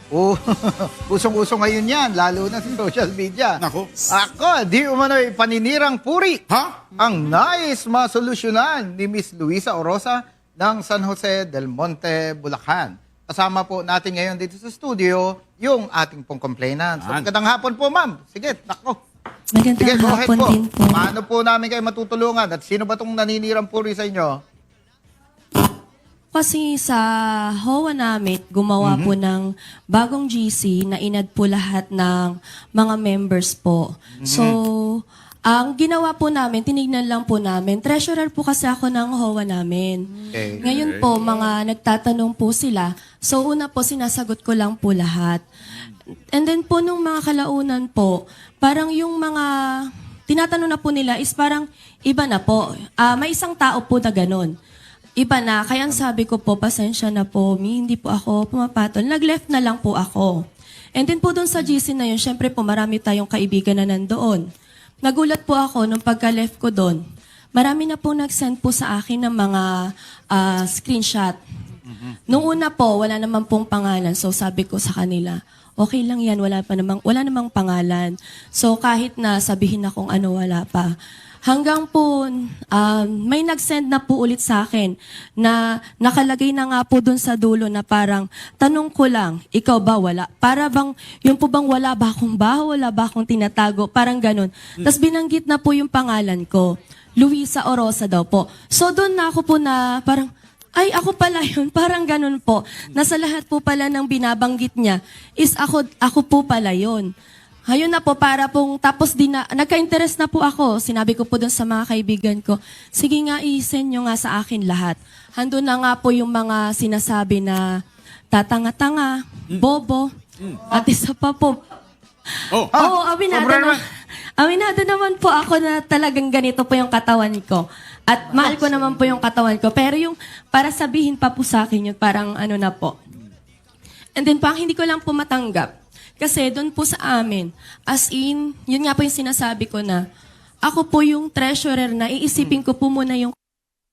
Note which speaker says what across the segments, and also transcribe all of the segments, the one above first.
Speaker 1: Oh, usong-uso ngayon yan, lalo na sa social media.
Speaker 2: Nako.
Speaker 1: Ako, di umano'y paninirang puri.
Speaker 2: Ha?
Speaker 1: Ang nais masolusyonan ni Miss Luisa Orosa ng San Jose del Monte, Bulacan. Kasama po natin ngayon dito sa studio yung ating pong complainant. So, magandang hapon po, ma'am. Sige, nako. Sige,
Speaker 3: Magandang
Speaker 1: go ahead
Speaker 3: hapon
Speaker 1: po.
Speaker 3: din po.
Speaker 1: Paano po namin kayo matutulungan? At sino ba itong naninirang puri sa inyo?
Speaker 3: Kasi sa HOA namin, gumawa po ng bagong GC na inad po lahat ng mga members po. So, ang ginawa po namin, tinignan lang po namin. Treasurer po kasi ako ng HOA namin.
Speaker 1: Okay.
Speaker 3: Ngayon po, mga nagtatanong po sila. So, una po, sinasagot ko lang po lahat. And then po, nung mga kalaunan po, parang yung mga tinatanong na po nila is parang iba na po. May isang tao po na ganun. Iba na. Kaya ang sabi ko po, pasensya na po, hindi po ako pumapatol. Nag-left na lang po ako. And then po doon sa GC na yun, syempre po marami tayong kaibigan na nandoon. Nagulat po ako nung pagka-left ko doon. Marami na po nag-send po sa akin ng mga screenshot. Nung una po, wala naman pong pangalan. So sabi ko sa kanila, okay lang yan, wala namang pangalan. So kahit na sabihin na kung ano, wala pa. Hanggang po, may nag-send na po ulit sa akin na nakalagay na nga po dun sa dulo na parang, tanong ko lang, ikaw ba wala? Para bang, yung po bang wala ba akong baho, wala ba akong tinatago? Parang ganun. Tapos binanggit na po yung pangalan ko. Luisa Orosa daw po. So doon na ako po na parang, ay, ako pala yun. Parang ganun po. Nasa lahat po pala ng binabanggit niya is ako po pala yun. Ayun na po, para pong, tapos nagka-interest na po ako. Sinabi ko po dun sa mga kaibigan ko, sige nga, i-send nyo nga sa akin lahat. Handun na nga po yung mga sinasabi na tatanga-tanga, bobo, at isa pa po. Oo, aminado naman po ako na talagang ganito po yung katawan ko. At mahal ko naman po yung katawan ko. Pero yung para sabihin pa po sa akin yun, parang ano na po. And then pang hindi ko lang po matanggap. Kasi doon po sa amin, as in, yun nga po yung sinasabi ko na, ako po yung treasurer na iisipin ko po muna yung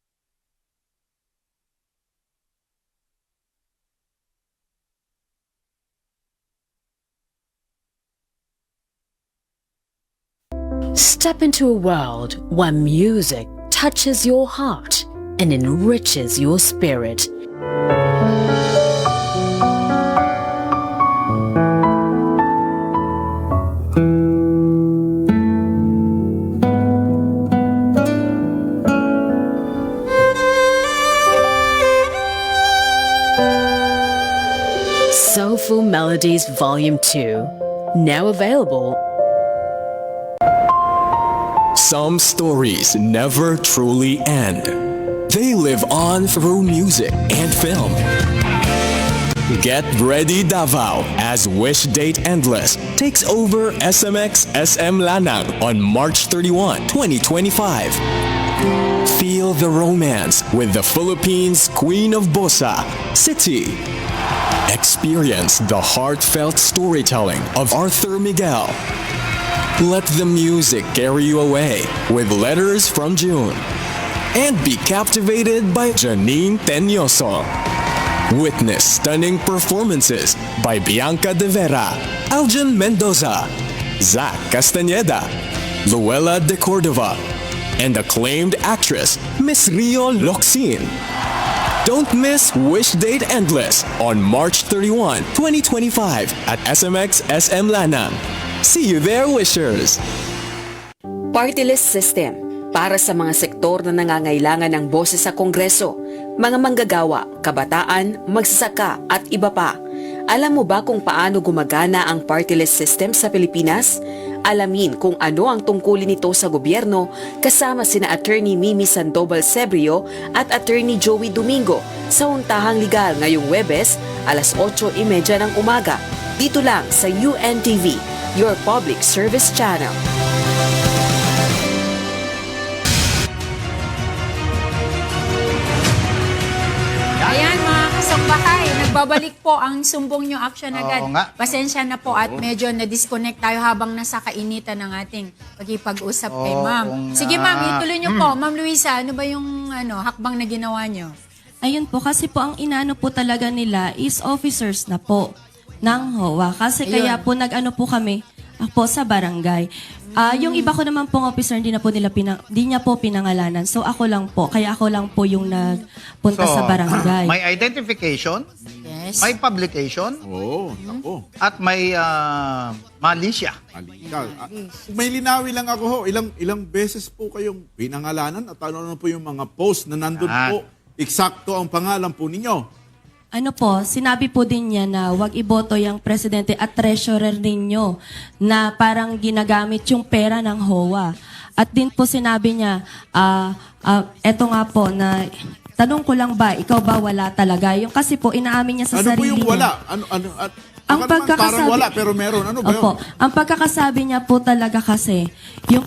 Speaker 4: Step into a world where music touches your heart and enriches your spirit. Soulful Melodies Volume 2, now available.
Speaker 5: Some stories never truly end. They live on through music and film. Get ready, Davao, as Wish Date Endless takes over SMX SM Lanang on March 31, 2025. Feel the romance with the Philippines' Queen of Bossa, City. Experience the heartfelt storytelling of Arthur Miguel. Let the music carry you away with Letters from June. And be captivated by Janine Teñoso. Witness stunning performances by Bianca De Vera, Aljan Mendoza, Zach Castañeda, Luella de Cordova, and acclaimed actress Miss Rio Locsin. Don't miss Wish Date Endless on March 31, 2025 at SMX SM Lanang. See you there, wishers!
Speaker 6: Party list system para sa mga sektor na nangangailangan ng boses sa Kongreso, mga manggagawa, kabataan, magsasaka at iba pa. Alam mo ba kung paano gumagana ang party list system sa Pilipinas? Alamin kung ano ang tungkulin nito sa gobyerno kasama sina Attorney Mimi Sandoval Sebrio at Attorney Joey Domingo sa Untahang Legal ngayong Webes, alas 8:30 ng umaga. Dito lang sa UNTV, your public service channel.
Speaker 7: Ayan mga kasangbahay, nagbabalik po ang sumbong nyo action agad.
Speaker 1: Oo nga.
Speaker 7: Pasensya na po at medyo na-disconnect tayo habang nasa kainitan ng ating pagkipag-usap kay ma'am. Sige ma'am, ituloy nyo po. Ma'am Luisa, ano ba yung hakbang na ginawa nyo?
Speaker 3: ayun po, kasi po ang inano po talaga nila is officers na po. ng HOA. Kasi kaya po nag-ano po kami po sa barangay. Yung iba ko naman pong officer, hindi niya po pinangalanan. So ako lang po. Kaya ako lang po yung nagpunta sa barangay.
Speaker 1: May identification,
Speaker 7: Yes.
Speaker 1: may publication,
Speaker 2: Oo, ako.
Speaker 1: at may malisya.
Speaker 2: Halika. May linawi lang ako ho. Ilang beses po kayong pinangalanan at ano po yung mga post na nandun
Speaker 1: Ah.
Speaker 2: po. Eksakto ang pangalan po ninyo.
Speaker 3: Ano po, sinabi po din niya na wag iboto yung presidente at treasurer ninyo na parang ginagamit yung pera ng HOA. At din po sinabi niya, eto nga po na tanong ko lang ba, ikaw ba wala talaga? Yung kasi po inaamin niya sa
Speaker 2: Ano po
Speaker 3: sarili
Speaker 2: yung
Speaker 3: niya.
Speaker 2: wala?
Speaker 3: Ang
Speaker 2: Parang
Speaker 3: pagkakasabi,
Speaker 2: wala pero meron. Ano ba yun?
Speaker 3: Opo, ang pagkakasabi niya po talaga kasi, yung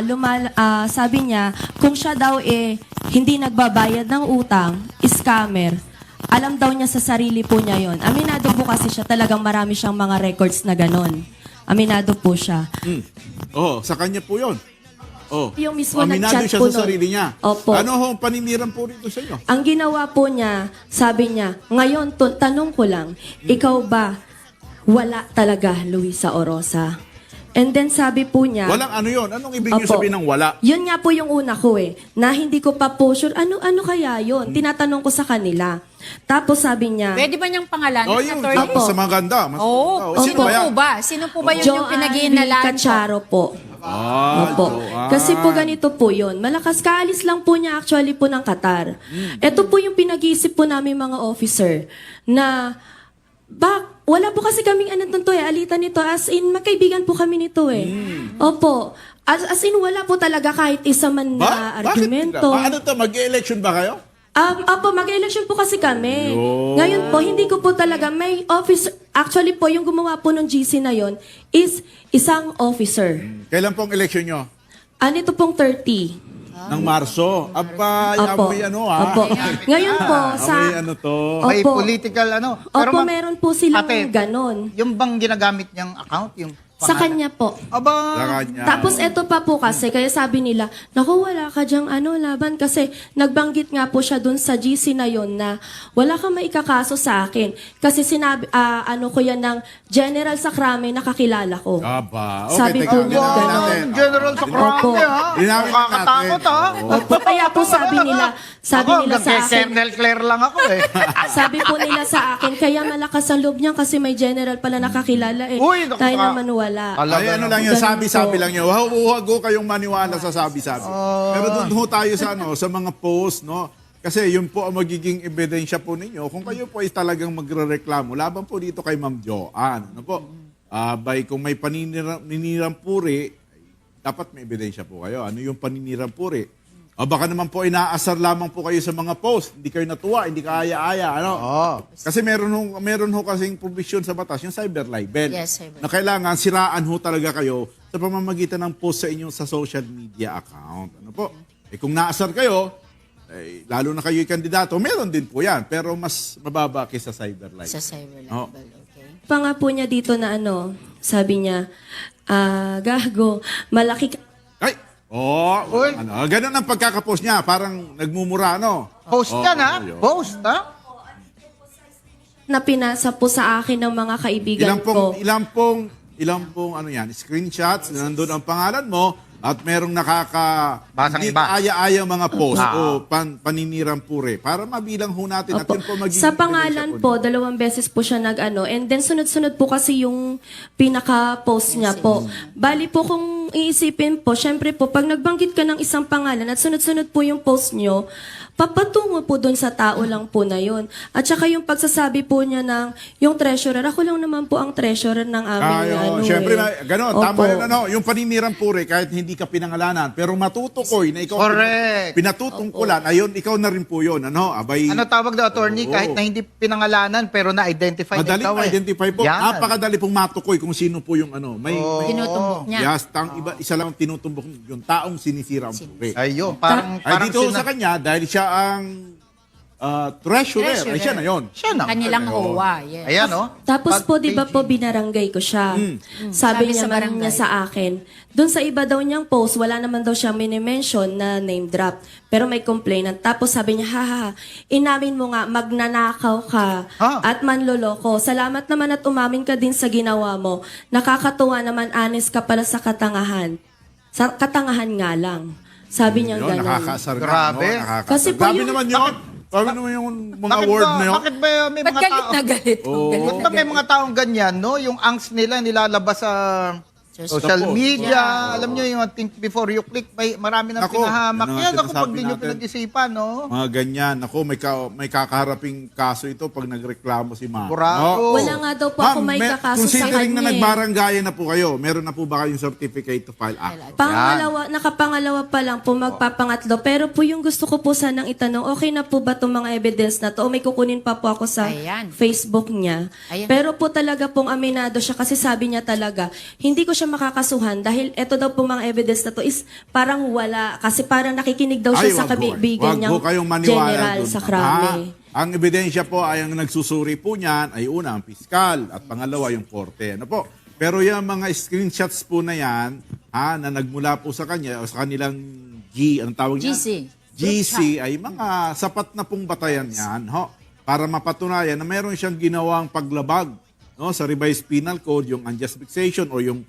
Speaker 3: sabi niya, kung siya daw hindi nagbabayad ng utang, scammer, alam daw niya sa sarili po niya yon. Aminado po kasi siya, talagang marami siyang mga records na ganon. Aminado po siya.
Speaker 2: Oh, sa kanya po yun. Oh.
Speaker 3: Yung mismo
Speaker 2: Aminado
Speaker 3: nag-chat
Speaker 2: siya
Speaker 3: po
Speaker 2: sa
Speaker 3: nun.
Speaker 2: sarili niya.
Speaker 3: Opo.
Speaker 2: Ano ho ang paniniran po rito sa inyo?
Speaker 3: Ang ginawa po niya, sabi niya, ngayon, tanong ko lang, ikaw ba wala talaga, Luisa Orosa? And then sabi po niya,
Speaker 2: Walang ano yun? Anong ibig niyo
Speaker 3: Opo.
Speaker 2: sabihin ng wala?
Speaker 3: Yun nga po yung una ko na hindi ko pa po sure, ano kaya yun? Tinatanong ko sa kanila. Tapos sabi niya,
Speaker 7: Pwede ba niyang pangalanan,
Speaker 2: Oh, yung
Speaker 7: attorney?
Speaker 2: sa maganda.
Speaker 7: Oo.
Speaker 2: Sino
Speaker 7: Sino
Speaker 2: ba yan?
Speaker 7: po ba? Sino po ba yun yung
Speaker 3: Joanne
Speaker 7: pinag-iinalaan po?
Speaker 3: Cacharo po. Opo.
Speaker 2: Joanne.
Speaker 3: Kasi po ganito po yun. Malakas kaalis lang po niya actually po ng Qatar. Ito po yung pinag-iisip po namin mga officer na wala po kasi kaming alitan nito. As in, magkaibigan po kami nito Opo. As in, wala po talaga kahit isa man na argumento.
Speaker 2: Ano to? Mag-election ba kayo?
Speaker 3: Opo, mag-election po kasi kami. Ngayon po, hindi ko po talaga, may officer, actually po, yung gumawa po ng GC na yon is isang officer.
Speaker 2: Kailan pong election nyo?
Speaker 3: Nito pong 30.
Speaker 2: Ng Marso. Aba,
Speaker 3: Opo.
Speaker 2: amoy ano
Speaker 3: Opo. Ngayon po,
Speaker 2: Amoy ano to.
Speaker 1: May
Speaker 3: Opo.
Speaker 1: political
Speaker 3: Opo,
Speaker 1: ma'am,
Speaker 3: meron po silang
Speaker 1: ate,
Speaker 3: ganon.
Speaker 1: yung bang ginagamit niyang account? Yung
Speaker 3: Sa
Speaker 1: pangalan?
Speaker 3: kanya po.
Speaker 1: Aba,
Speaker 2: Sa kanya.
Speaker 3: Tapos eto pa po kasi, kaya sabi nila, naku, wala ka dyang laban kasi nagbanggit nga po siya dun sa GC na yon na wala kang maikakaso sa akin. Kasi sinabi, ko yan ng General Sacrame na kakilala ko.
Speaker 2: Aba. Okay,
Speaker 3: Sabi
Speaker 2: teka,
Speaker 3: po
Speaker 2: linawin
Speaker 3: ganon.
Speaker 2: natin.
Speaker 1: General sa
Speaker 3: Opo.
Speaker 1: Krame, ha?
Speaker 2: Linawin
Speaker 1: Nakakatakot,
Speaker 2: natin.
Speaker 1: ha?
Speaker 3: Opo, kaya po sabi nila sa akin,
Speaker 1: Colonel Claire lang ako,
Speaker 3: sabi po nila sa akin, kaya malakas ang loob niyan kasi may general pala nakakilala
Speaker 1: Uy, naku,
Speaker 3: Tayo naman wala.
Speaker 2: Ay, ano lang yun,
Speaker 3: Ganun
Speaker 2: sabi-sabi
Speaker 3: po.
Speaker 2: lang yun. Huwag ho kayong maniwala sa sabi-sabi. Pero doon ho tayo sa, sa mga post, no? Kasi yun po ang magiging ebidensya po ninyo. Kung kayo po ay talagang magre-reklamo, laban po dito kay Ma'am Joanne. Ano po? Kung may paninirang puri, dapat may ebidensya po kayo. Ano yung paninirang puri? Baka naman po inaasar lamang po kayo sa mga post. Hindi kayo natuwa, hindi kaaya-aya. Ano? Kasi meron ho kasing provision sa batas, yung cyber libel.
Speaker 7: Yes, cyber.
Speaker 2: Na kailangan siraan ho talaga kayo sa pamamagitan ng post sa inyong sa social media account. Ano po? Kung naasar kayo, lalo na kayo'y kandidato, meron din po yan. Pero mas mababa kaysa cyber libel.
Speaker 7: Sa cyber
Speaker 2: Oh.
Speaker 7: level, okay.
Speaker 3: Pa nga po niya dito na sabi niya, gago, malaki ka.
Speaker 2: Ay!
Speaker 1: Uy.
Speaker 2: Ganun ang pagkakapost niya. Parang nagmumura, no?
Speaker 1: Post yan, ha?
Speaker 2: yun.
Speaker 1: Post, ha?
Speaker 3: Na pinasa po sa akin ng mga kaibigan ko.
Speaker 2: Ilang pong ano yan, screenshots na nandun ang pangalan mo at merong
Speaker 1: Basang
Speaker 2: hindi
Speaker 1: iba.
Speaker 2: aya-aya mga post o paninirang pure para mabilang ho natin at
Speaker 3: Opo.
Speaker 2: yun po magiging
Speaker 3: Sa pangalan
Speaker 2: ebidensya
Speaker 3: po, 2 beses po siya and then sunod-sunod po kasi yung pinaka-post niya po. Bali po kung iisipin po, syempre po, pag nagbanggit ka ng isang pangalan at sunod-sunod po yung post nyo, papatungo po doon sa tao lang po na yun. At saka yung pagsasabi po niya ng, yung treasurer, ako lang naman po ang treasurer ng aming
Speaker 2: Siyempre, gano'n, tama
Speaker 3: Opo.
Speaker 2: rin yung paninirang pure kahit hindi ka pinangalanan, pero matutukoy na ikaw
Speaker 1: Correct.
Speaker 2: pinatutungkulan, ayun, ikaw na rin po yun, abay,
Speaker 1: Ano tawag daw, attorney?
Speaker 2: Oo.
Speaker 1: Kahit na hindi pinangalanan, pero na-identify na
Speaker 2: madaling
Speaker 1: ikaw,
Speaker 2: ma-identify po.
Speaker 1: Yan.
Speaker 2: Napakadali pong matukoy kung sino po yung may
Speaker 7: Tinutumbok niya.
Speaker 2: yes, isa lang ang tinutumbok yung taong sinisira ang pure.
Speaker 1: Ayun, parang
Speaker 2: Ay dito sa kanya, dahil siya ang treasurer.
Speaker 7: Treasurer.
Speaker 2: Ay, siya na yun.
Speaker 1: Siya na.
Speaker 7: Kanilang OWA. Yes.
Speaker 1: Ayan, oh.
Speaker 3: Tapos po, di ba
Speaker 1: Pag-
Speaker 3: po, binaranggay ko siya.
Speaker 7: Sabi
Speaker 3: Sabi niya
Speaker 7: sa
Speaker 3: man
Speaker 7: barangay.
Speaker 3: niya sa akin. Doon sa iba daw niyang post, wala naman daw siyang minimension na name drop. Pero may complainant. Tapos sabi niya, haha, inamin mo nga, magnanakaw ka
Speaker 1: Ha?
Speaker 3: at manloloko. Salamat naman at umamin ka din sa ginawa mo. Nakakatuwa naman, honest ka pala sa katangahan. Sa katangahan nga lang. Sabi niya
Speaker 2: Yun,
Speaker 3: gano'n.
Speaker 2: nakakasarga.
Speaker 1: Grabe.
Speaker 2: No? Nakakasarga.
Speaker 3: Kasi po
Speaker 2: Grabe
Speaker 3: yung-
Speaker 2: naman yun. Grabe naman yung mga
Speaker 1: Bakit
Speaker 2: word
Speaker 1: ba,
Speaker 2: na yun.
Speaker 1: bakit ba may
Speaker 7: Ba't
Speaker 1: mga
Speaker 7: galit
Speaker 1: tao...
Speaker 7: na galit?
Speaker 2: Oo.
Speaker 7: Galit
Speaker 1: Bakit ba may mga taong ganyan, no? Yung angst nila nilalabas sa social
Speaker 2: Sa post.
Speaker 1: media.
Speaker 7: Yeah.
Speaker 1: Alam nyo yung think before you click, marami nang
Speaker 2: Ako,
Speaker 1: pinahamak.
Speaker 2: yun ang
Speaker 1: Yan ako
Speaker 2: sinasabi
Speaker 1: pag di nyo
Speaker 2: natin.
Speaker 1: pinag-isipan, no?
Speaker 2: Mga ganyan. Ako, may kakaharaping kaso ito pag nagreklamo si ma'am.
Speaker 1: Kurado.
Speaker 3: Wala nga daw po ako may kakaso sa
Speaker 2: considering na
Speaker 3: kanya.
Speaker 2: nagbaranggayan na po kayo, meron na po ba kayong certificate to file act?
Speaker 3: Nakapangalawa pa lang po, magpapangatlo. Pero po yung gusto ko po sanang itanong, okay na po ba itong mga evidence na to? O may kukunin pa po ako sa
Speaker 7: Ayan.
Speaker 3: Facebook niya.
Speaker 7: Ayan.
Speaker 3: Pero po talaga pong aminado siya kasi sabi niya talaga, hindi ko siya makakasuhan dahil eto daw po mga evidence na to is parang wala. Kasi parang nakikinig daw siya sa kaibigan niyang
Speaker 2: Wag ho kayong maniwala
Speaker 3: general
Speaker 2: dun.
Speaker 3: sa krami.
Speaker 2: Ang ebidensya po ay ang nagsusuri po niyan ay una ang piskal at pangalawa yung korte. Ano po? Pero yung mga screenshots po na yan, na nagmula po sa kanya o sa kanilang ang tawag niya? GC ay mga sapat na pong batayan yan, para mapatunayan na meron siyang ginawang paglabag, no, sa revised penal code, yung unjust vexation o yung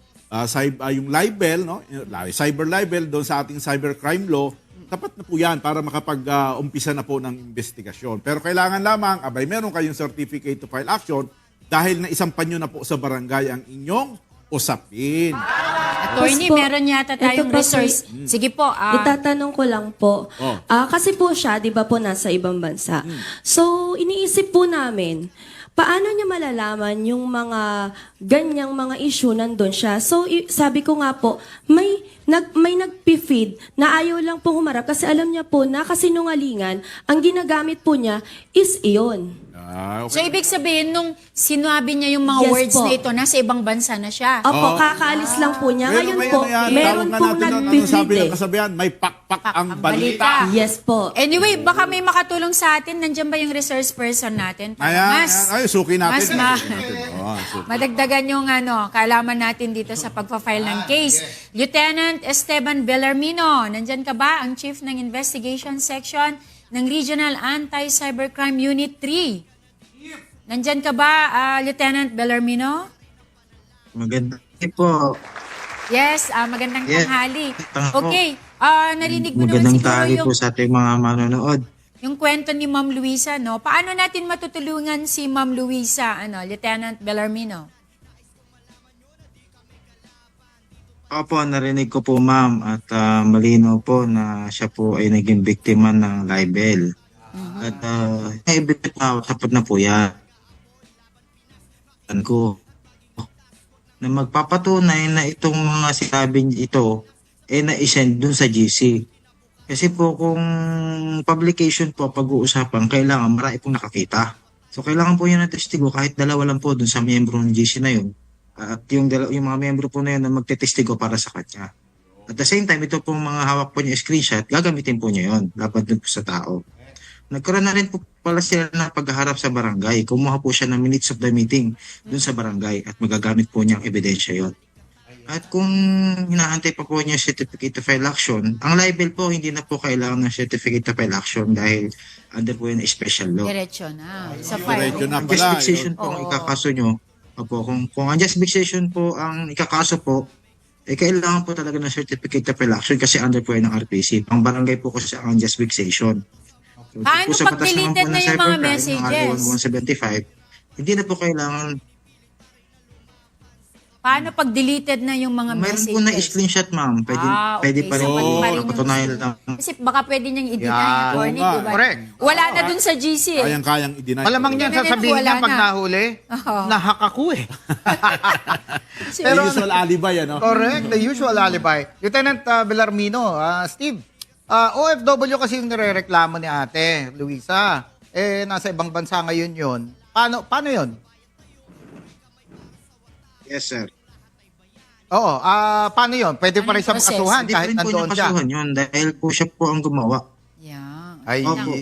Speaker 2: yung libel, no, cyber libel doon sa ating cybercrime law. Tapat na po yan para makapag-umpisa na po ng investigasyon. Pero kailangan lamang, meron kayong certificate to file action dahil naisampan nyo na po sa barangay ang inyong usapin.
Speaker 7: Attorney,
Speaker 3: Tapos po,
Speaker 7: meron yata tayong
Speaker 3: ito pa po,
Speaker 7: resource. Sige po.
Speaker 3: Itatanong ko lang po.
Speaker 2: Oh.
Speaker 3: Kasi po siya, di ba po, nasa ibang bansa. So, iniisip po namin, paano niya malalaman yung mga ganyang mga issue nandun siya? So, sabi ko nga po, may nagpi-feed na ayaw lang po humarap kasi alam niya po na kasinungalingan, ang ginagamit po niya is iyon.
Speaker 7: So, ibig sabihin, nung sinabi niya yung mga
Speaker 3: Yes
Speaker 7: words
Speaker 3: po.
Speaker 7: na ito, nasa ibang bansa na siya.
Speaker 3: Opo, kakaalis lang po niya. Ngayon
Speaker 2: may
Speaker 3: po,
Speaker 2: ano yan,
Speaker 3: meron
Speaker 2: tawag nga
Speaker 3: pong
Speaker 2: natin nun,
Speaker 3: nagpi-feed
Speaker 2: sabi ng
Speaker 3: eh.
Speaker 2: kasabihan, may pakpak ang
Speaker 7: ang balita.
Speaker 2: balita.
Speaker 3: Yes po.
Speaker 7: Anyway, baka may makatulong sa atin. Nandiyan ba yung resource person natin?
Speaker 2: Ayan, suki natin.
Speaker 7: Mas
Speaker 2: Suki natin. Suki.
Speaker 7: madagdagan yung kaalaman natin dito sa pagpa-file ng case. Lieutenant Esteban Bellarmino, nandyan ka ba? Ang Chief ng Investigation Section ng Regional Anti-Cybercrime Unit 3. Nandyan ka ba, Lieutenant Bellarmino?
Speaker 8: Maganda po.
Speaker 7: Yes, magandang
Speaker 8: Yes.
Speaker 7: tanghali.
Speaker 8: Tanghali.
Speaker 7: Okay, narinig mo naman
Speaker 8: Magandang
Speaker 7: siguro
Speaker 8: tali
Speaker 7: yung,
Speaker 8: po sa ating mga manonood.
Speaker 7: yung kwento ni Ma'am Luisa, no? Paano natin matutulungan si Ma'am Luisa, Lieutenant Bellarmino?
Speaker 8: Opo, narinig ko po ma'am at malinaw po na siya po ay naging biktima ng libel. At evident na sapat na po yan. Ko na magpapatunay na itong mga sinabing ito na-send dun sa GC. Kasi po kung publication po pag-uusapan, kailangan marami pong nakakita. So kailangan po yan ng testigo kahit dalawa lang po dun sa miyembro ng GC na yun. At yung mga miyembro po na yun na magtetestigo para sa kanya. At the same time, ito pong mga hawak po niya screenshot, gagamitin po niya yun laban dun po sa tao. Nagkaroon na rin po pala sila na pagharap sa barangay. Kumuha po siya ng minutes of the meeting dun sa barangay at magagamit po niya ang ebidensya yon. At kung hinahantay pa po niya certificate to file action, ang libel po hindi na po kailangan ng certificate to file action dahil under po yun special law.
Speaker 7: Diretso na. Sa
Speaker 2: Diretso
Speaker 7: file.
Speaker 2: na
Speaker 8: Ang
Speaker 2: pala.
Speaker 8: just fixation po ang ikakaso nyo. Opo, kung ang just fixation po ang ikakaso po, kailangan po talaga ng certificate to file action kasi under po yun ng RPC. Ang barangay po kasi ang just fixation. So,
Speaker 7: Paano
Speaker 8: po sa
Speaker 7: pag
Speaker 8: batas naman
Speaker 7: deleted
Speaker 8: po
Speaker 7: na
Speaker 8: ng
Speaker 7: yung mga
Speaker 8: cybercrime,
Speaker 7: messages?
Speaker 8: Ang RA 1175, hindi na po kailangan.
Speaker 7: Paano pag deleted na yung mga
Speaker 8: Mayroon
Speaker 7: messages?
Speaker 8: po na screenshot, ma'am. Pwede,
Speaker 7: Ah,
Speaker 8: pwede
Speaker 7: okay.
Speaker 8: pa rin
Speaker 7: So,
Speaker 8: po.
Speaker 7: pwede pa rin
Speaker 8: Patunayan
Speaker 7: yung-
Speaker 8: lang.
Speaker 7: Kasi baka pwede niyang i-deny
Speaker 1: Yan.
Speaker 7: yung attorney,
Speaker 2: Oo nga.
Speaker 7: di ba?
Speaker 1: Correct.
Speaker 7: Wala na dun sa GC eh.
Speaker 2: Kayang-kayang i-deny.
Speaker 1: Malamang niyan
Speaker 7: Ganun,
Speaker 1: sasabihin
Speaker 7: wala
Speaker 1: niya pag
Speaker 7: na.
Speaker 1: nahuli,
Speaker 7: Oo.
Speaker 1: nahak ako eh.
Speaker 2: Pero usual alibi, ano?
Speaker 1: Correct, the usual alibi. Lieutenant Bellarmino, Steve, OFW kasi yung nirereklamo ni ate, Luisa. Nasa ibang bansa ngayon yun. Paano yun?
Speaker 8: Yes, sir.
Speaker 1: Oo, paano yun? Pwede pa rin siya
Speaker 7: Anong process?
Speaker 1: makasuhan
Speaker 8: Hindi pa
Speaker 1: kahit
Speaker 8: rin po niya
Speaker 1: nandoon siya.
Speaker 8: kasuhan yun dahil po siya po ang gumawa.
Speaker 7: Yeah.
Speaker 1: Ay,
Speaker 8: Opo.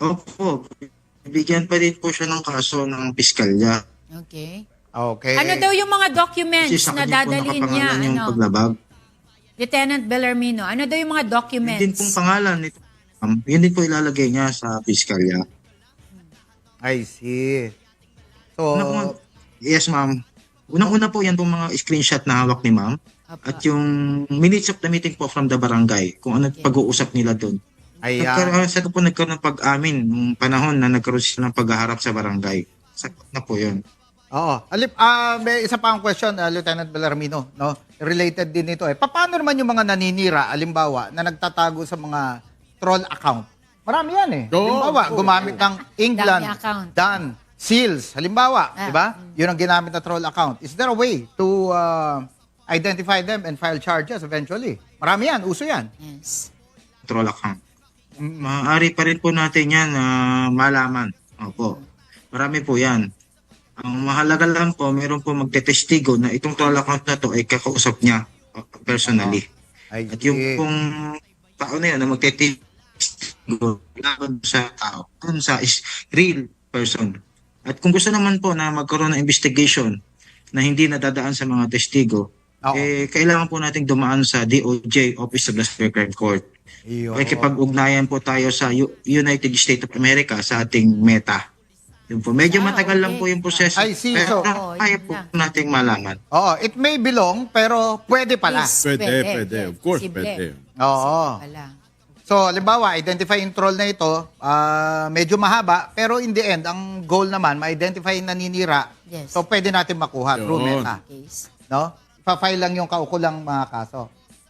Speaker 8: Opo, bigyan pa din po siya ng kaso ng piskalya.
Speaker 7: Okay.
Speaker 1: Okay.
Speaker 7: Ano daw yung mga
Speaker 8: Kasi
Speaker 7: documents
Speaker 8: sa
Speaker 7: na
Speaker 8: kanya po
Speaker 7: dadalhin niya?
Speaker 8: nakapangalan yung
Speaker 7: Ano?
Speaker 8: paglabag.
Speaker 7: Lieutenant Bellarmino, ano daw yung mga
Speaker 8: Yun din
Speaker 7: documents?
Speaker 8: pong pangalan nito. Yun din po ilalagay niya sa piskalya.
Speaker 1: I see. So,
Speaker 8: Yes, ma'am. Unang-una po yan pong mga screenshot na hawak ni ma'am. At yung minutes of the meeting po from the barangay, kung ano pag-uusap nila doon.
Speaker 1: ayan.
Speaker 8: Sa po nagkaroon ng pag-amin nung panahon na nagkaroon sila ng paghaharap sa barangay. Sagot na po yun.
Speaker 1: Oo. May isa pa ang question, Lieutenant Bellarmino, no? Related din ito eh. Paano naman yung mga naninira, alimbawa, na nagtatago sa mga troll account? Marami yan eh.
Speaker 2: Oo.
Speaker 1: Halimbawa, gumamit ng England,
Speaker 7: Dami account.
Speaker 1: Dan, Seals, halimbawa,
Speaker 7: Ah.
Speaker 1: di ba? Yun ang ginamit na troll account. Is there a way to identify them and file charges eventually? Marami yan, uso yan.
Speaker 7: Yes.
Speaker 8: Troll account. Maaari pa rin po natin yan na malaman. Opo. Marami po yan. Ang mahalaga lang po, meron po magtetestigo na itong troll account na to ay kakausap niya personally.
Speaker 1: I
Speaker 8: At yung
Speaker 1: see.
Speaker 8: pong tao na yun na magtetestigo laban sa tao, dun sa real person. At kung gusto naman po na magkaroon ng investigation na hindi nadadaan sa mga testigo,
Speaker 1: Oo.
Speaker 8: kailangan po nating dumaan sa DOJ, Office of the Cybercrime Court.
Speaker 1: Iyo.
Speaker 8: Makikipag-ugnayan po tayo sa United States of America sa ating meta. Yun po. Medyo matagal lang po yung proseso.
Speaker 1: I see.
Speaker 8: Pero
Speaker 7: So,
Speaker 8: kaya
Speaker 7: yun
Speaker 8: po
Speaker 7: lang.
Speaker 8: nating malaman.
Speaker 1: Oo, it may belong, pero pwede pala.
Speaker 7: Yes.
Speaker 2: Pwede. Of course,
Speaker 7: Posible.
Speaker 2: pwede.
Speaker 1: Oo.
Speaker 7: Wala.
Speaker 1: So, halimbawa, identify yung troll na ito, medyo mahaba, pero in the end, ang goal naman, ma-identify yung naninira.
Speaker 7: Yes.
Speaker 1: So, pwede natin makuha through
Speaker 2: Yun.
Speaker 1: meta.
Speaker 7: Case.
Speaker 1: No? Ipa-file lang yung kaukulang mga kaso.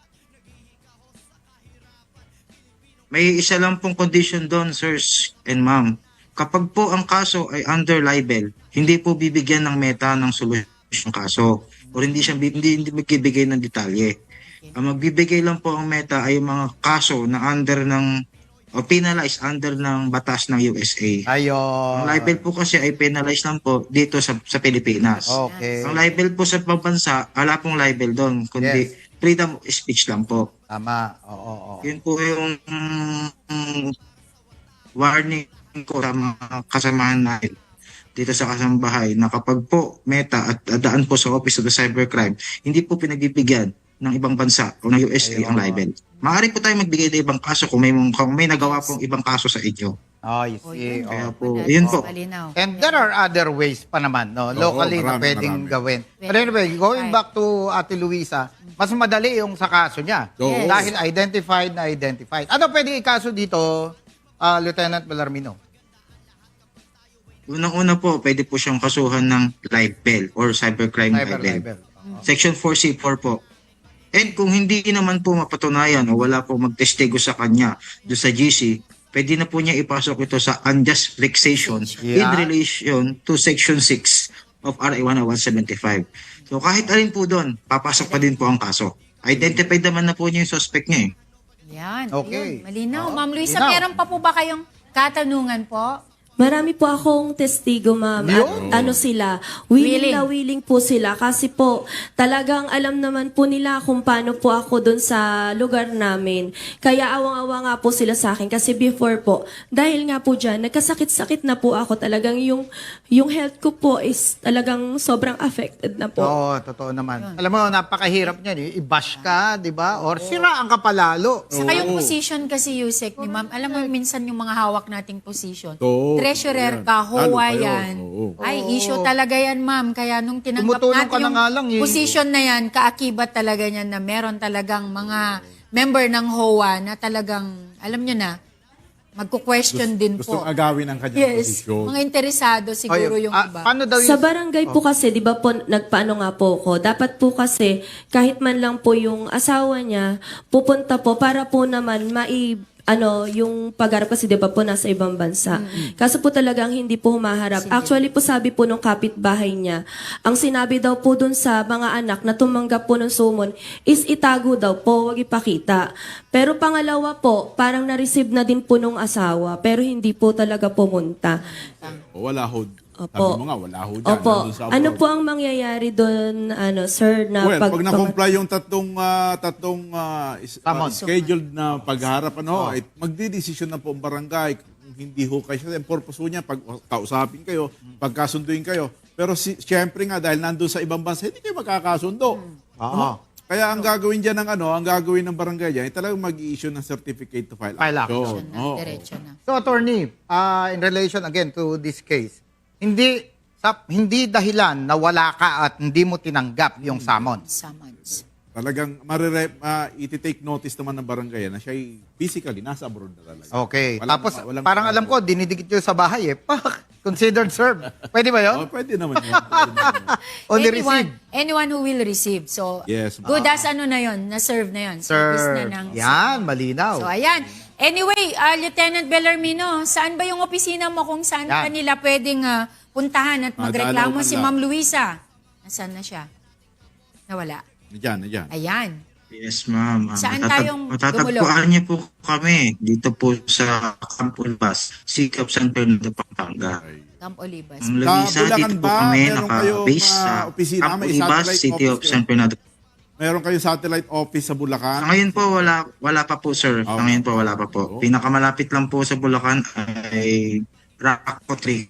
Speaker 8: May isa lang pong condition doon, sirs and ma'am. Kapag po ang kaso ay under libel, hindi po bibigyan ng meta ng solusyon kaso o hindi magbibigay ng detalye. Ang magbibigay lang po ang meta ay mga kaso na under ng o penalized under ng batas ng USA.
Speaker 1: Ayun.
Speaker 8: Ang libel po kasi ay penalized lang po dito sa Pilipinas.
Speaker 1: Okay.
Speaker 8: Ang libel po sa pambansa, wala pong libel doon, kundi freedom of speech lang po.
Speaker 1: Tama. Oo.
Speaker 8: Yun po yung warning ko sa mga kasamahan natin dito sa kasambahay na kapag po meta at daan po sa Office of the Cybercrime, hindi po pinagbibigyan ng ibang bansa o ng USA ang libel. Maaari po tayo magbigay ng ibang kaso kung may nagawa pong ibang kaso sa inyo.
Speaker 1: I
Speaker 7: O,
Speaker 1: see.
Speaker 7: yun.
Speaker 8: Kaya
Speaker 1: Oo.
Speaker 8: po,
Speaker 7: Wala.
Speaker 8: yun po.
Speaker 7: Malinaw.
Speaker 1: And there are other ways pa naman, no? Locally na
Speaker 2: marami,
Speaker 1: pwedeng
Speaker 2: marami.
Speaker 1: gawin. But anyway, going back to Ate Luisa, mas madali yung sa kaso niya.
Speaker 2: Oo.
Speaker 1: Dahil identified na identified. Ano pwede ikaso dito, Lieutenant Bellarmino?
Speaker 8: Unang-una po, pwede po siyang kasuhan ng libel or cybercrime
Speaker 1: Cyber
Speaker 8: libel.
Speaker 1: libel.
Speaker 8: Section 4C4 po. And kung hindi naman po mapatunayan o wala po magtestigo sa kanya do sa GC, pwede na po niya ipasok ito sa unjust vexation in
Speaker 1: Yeah.
Speaker 8: relation to Section 6 of RA 10175. So kahit alin po doon, papasok pa din po ang kaso. Identified naman na po niya yung suspect niya eh.
Speaker 7: Yan.
Speaker 1: Okay.
Speaker 7: Yun. Malinaw.
Speaker 1: Oo,
Speaker 7: Ma'am Luisa,
Speaker 1: malinaw.
Speaker 7: meron pa po ba kayong katanungan po?
Speaker 3: Marami po akong testigo, ma'am. At ano sila, willing po sila. Kasi po, talagang alam naman po nila kung paano po ako doon sa lugar namin. Kaya awang-awa nga po sila sa akin. Kasi before po, dahil nga po dyan, nagkasakit-sakit na po ako. Talagang yung health ko po is talagang sobrang affected na po.
Speaker 1: Oo, totoo naman. Alam mo, napakahirap niyan. Eh. I-bash ka, di ba? Or siraan ka palalo.
Speaker 7: Sa kayong position kasi, Yusek, ni ma'am, alam mo minsan yung mga hawak nating position.
Speaker 2: Oo.
Speaker 7: Treasurer
Speaker 2: Yan.
Speaker 7: ka,
Speaker 2: Lalo
Speaker 7: HOA
Speaker 2: pa yun.
Speaker 7: yan.
Speaker 2: Oo.
Speaker 7: Ay, issue talaga yan, ma'am. Kaya nung tinanggap
Speaker 1: Tumutulong
Speaker 7: natin
Speaker 1: ka na
Speaker 7: yung
Speaker 1: nga lang, eh.
Speaker 7: position na yan, kaakibat talaga niyan na meron talagang mga member ng HOA na talagang, alam nyo na, magko-question din
Speaker 2: Gustong
Speaker 7: po.
Speaker 2: agawin ang kanyang
Speaker 7: Yes,
Speaker 2: posisyon.
Speaker 7: mga interesado siguro yung iba.
Speaker 1: Paano daw
Speaker 3: Sa
Speaker 1: yung...
Speaker 3: barangay po kasi, di ba po, nagpaano nga po ko, dapat po kasi, kahit man lang po yung asawa niya, pupunta po para po naman yung pagharap kasi di ba po nasa ibang bansa. Kaso po talagang hindi po humaharap. Actually po sabi po nung kapitbahay niya, ang sinabi daw po dun sa mga anak na tumanggap po ng sumon is itago daw po, wag ipakita. Pero pangalawa po, parang na-receive na din po nung asawa, pero hindi po talaga pumunta.
Speaker 2: O, wala ho.
Speaker 3: Opo.
Speaker 2: Sabi mo nga, wala ho dyan.
Speaker 3: Opo.
Speaker 2: Nandun sa
Speaker 3: Ano
Speaker 2: abroad.
Speaker 3: po ang mangyayari doon, sir, na
Speaker 2: Well, pag na-comply yung tatlong
Speaker 1: Summons.
Speaker 2: scheduled na pagharap, magdidesisyon na po ang barangay. hindi ho kayo, ang purpose ho niya, pag kausapin kayo, pagkasunduin kayo. Pero syempre nga, dahil nandun sa ibang bansa, hindi kayo magkakasundo.
Speaker 1: Oo.
Speaker 2: Kaya ang gagawin dyan ng ang gagawin ng barangay dyan, ay talagang mag-i-issue ng certificate to file
Speaker 1: File
Speaker 2: action.
Speaker 7: Diretso na,
Speaker 2: Oo.
Speaker 7: diretso na.
Speaker 1: So, attorney, in relation again to this case, hindi dahilan na wala ka at hindi mo tinanggap yung summons.
Speaker 7: Summons.
Speaker 2: Talagang iti-take notice naman ng barangay na siya physically nasa abroad na talaga.
Speaker 1: Okay.
Speaker 2: Walang-
Speaker 1: Tapos,
Speaker 2: walang-
Speaker 1: parang alam ko, dinidikit nyo sa bahay eh. Considered served. Pwede ba yun?
Speaker 2: Pwede naman yun. Pwede naman yun.
Speaker 1: Only receive.
Speaker 7: Anyone who will receive. So,
Speaker 2: Yes, ma'am.
Speaker 7: good as ano na yun, na-serve na yun. Service na
Speaker 1: Served.
Speaker 7: ng...
Speaker 1: Yan, malinaw.
Speaker 7: So, ayan. Anyway, Lieutenant Bellarmino, saan ba yung opisina mo kung saan
Speaker 1: Yan.
Speaker 7: ka nila pwedeng puntahan at magreklamo
Speaker 2: Madalaw
Speaker 7: si
Speaker 2: man lang.
Speaker 7: Ma'am Luisa? Nasaan na siya? Nawala.
Speaker 2: Nandiyan.
Speaker 7: Ayan.
Speaker 8: Yes, ma'am.
Speaker 7: Saan tayong
Speaker 8: matatagpuan niyo po kami dito po sa Camp Ulbas, Sikap San Fernando, Pampanga.
Speaker 7: Camp Olivas.
Speaker 8: Ang Luisa,
Speaker 2: Bulacan
Speaker 8: dito po
Speaker 2: ba?
Speaker 8: kami
Speaker 2: Meron kayong,
Speaker 8: naka-base sa
Speaker 2: opisina?
Speaker 8: Camp
Speaker 2: May
Speaker 8: Olivas,
Speaker 2: satellite
Speaker 8: City of
Speaker 2: office
Speaker 8: San Fernando.
Speaker 2: Meron kayong satellite office sa
Speaker 8: Sa
Speaker 2: Bulacan?
Speaker 8: ngayon po, wala pa po, sir. Sa ngayon po, wala pa po. Pinakamalapit lang po sa Bulacan ay Raco 3.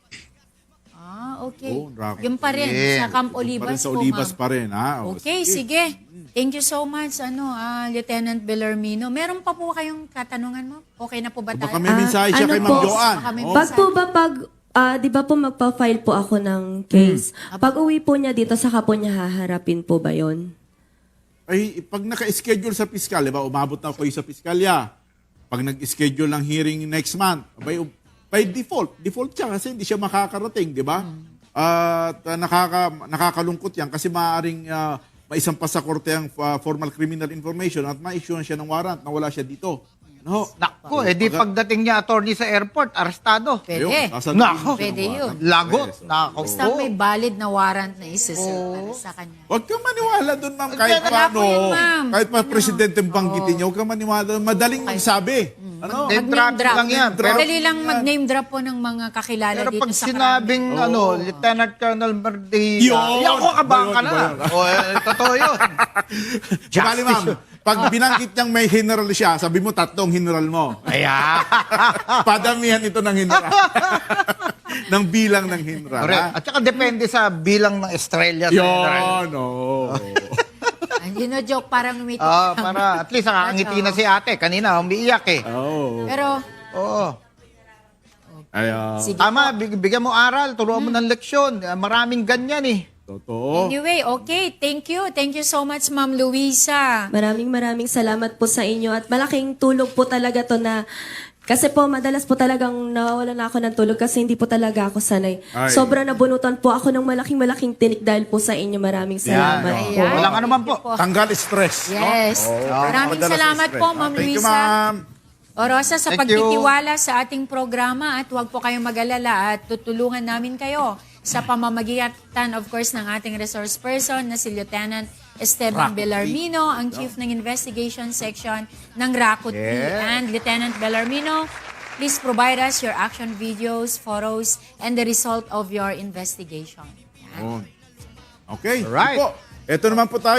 Speaker 7: Okay.
Speaker 2: Raco.
Speaker 7: Yung pa rin,
Speaker 1: Yeah.
Speaker 7: sa Camp
Speaker 2: Pa
Speaker 7: Olivas
Speaker 2: rin sa
Speaker 7: po,
Speaker 2: Olivas
Speaker 7: ma'am.
Speaker 2: pa rin, ha?
Speaker 7: Okay, sige. Thank you so much, Lieutenant Bellarmino. Meron pa po kayong katanungan mo? Okay na po ba tayo?
Speaker 2: Baka may mensahe siya
Speaker 3: ano
Speaker 2: kay
Speaker 3: po?
Speaker 2: Ma'am Joanne.
Speaker 7: Baka may
Speaker 2: Oh.
Speaker 3: Pag po ba di ba po magpa-file po ako ng case? Pag uwi po niya dito, saka po niya haharapin po ba yon?
Speaker 2: Ay, pag naka-schedule sa piskal, di ba, umabot na kayo sa piskalya. Pag nag-schedule ng hearing next month, by default siya kasi hindi siya makakarating, di ba? At nakakalungkot yan kasi maaaring maisampas sa korte ang formal criminal information at ma-issue siya ng warrant na wala siya dito. No?
Speaker 1: Nako, di pagdating niya attorney sa airport, arestado.
Speaker 7: Pwede.
Speaker 1: Nako.
Speaker 7: Pwede yun.
Speaker 1: Lagot. Nako.
Speaker 7: Basta may valid na warrant na isiserve para sa kanya.
Speaker 2: Huwag kang maniwala doon, ma'am. Kahit
Speaker 7: Wala
Speaker 2: paano,
Speaker 7: po yun, ma'am.
Speaker 2: kahit pa presidente ang banggitin niya, huwag kang maniwala doon. Madaling magsabi. Ano?
Speaker 1: Name
Speaker 7: Mag-name
Speaker 1: drop
Speaker 7: drop.
Speaker 1: lang yan. Pero,
Speaker 7: Madali lang mag-name drop po ng mga kakilala
Speaker 1: pero
Speaker 7: dito
Speaker 1: pag
Speaker 7: sa
Speaker 1: sinabing, Lieutenant Colonel Merdilla,
Speaker 2: Yun!
Speaker 1: ako kabang ka
Speaker 2: Yun,
Speaker 1: na.
Speaker 2: yun.
Speaker 1: Totoo yun.
Speaker 2: Bali, ma'am, pag binanggit niyang may general siya, sabi mo 3 general mo.
Speaker 1: Ayan.
Speaker 2: Padamihan ito ng general. ng bilang ng general.
Speaker 1: Correct.
Speaker 2: ha?
Speaker 1: At saka depende sa bilang ng estrella.
Speaker 2: Yun, oo.
Speaker 7: joke parang umiti.
Speaker 1: Para at least nakangiti na si ate. Kanina, umiiyak eh.
Speaker 2: Oo.
Speaker 7: Pero,
Speaker 1: Oo.
Speaker 2: Ay,
Speaker 7: sige
Speaker 1: Tama, bigyan mo aral, turuan mo ng leksyon. Maraming ganyan eh.
Speaker 2: totoo.
Speaker 7: Anyway, okay. Thank you. Thank you so much, Ma'am Luisa.
Speaker 3: Maraming salamat po sa inyo at malaking tulong po talaga to na kasi po madalas po talagang nawawalan na ako ng tulog kasi hindi po talaga ako sanay.
Speaker 2: Ay.
Speaker 3: Sobrang nabunutan po ako ng malaking tinik dahil po sa inyo. Maraming salamat
Speaker 1: Yan.
Speaker 3: po.
Speaker 7: Ayan.
Speaker 1: Walang anuman po.
Speaker 2: Tanggal stress.
Speaker 7: Yes. Maraming
Speaker 2: Madalas
Speaker 7: salamat
Speaker 2: stress.
Speaker 7: po, Ma'am
Speaker 2: Thank you,
Speaker 7: Luisa.
Speaker 2: ma'am.
Speaker 7: Orosa, sa
Speaker 1: Thank you.
Speaker 7: pagtitiwala sa ating programa at huwag po kayong mag-alala at tutulungan namin kayo sa pamamagitan, of course, ng ating resource person na si Lieutenant Esteban Bellarmino, ang Chief ng Investigation Section ng RACUT.
Speaker 1: Yeah.
Speaker 7: And Lieutenant Bellarmino, please provide us your action videos, photos, and the result of your investigation. Yan.
Speaker 2: Okay.
Speaker 1: Alright.
Speaker 2: Ito naman po tayo.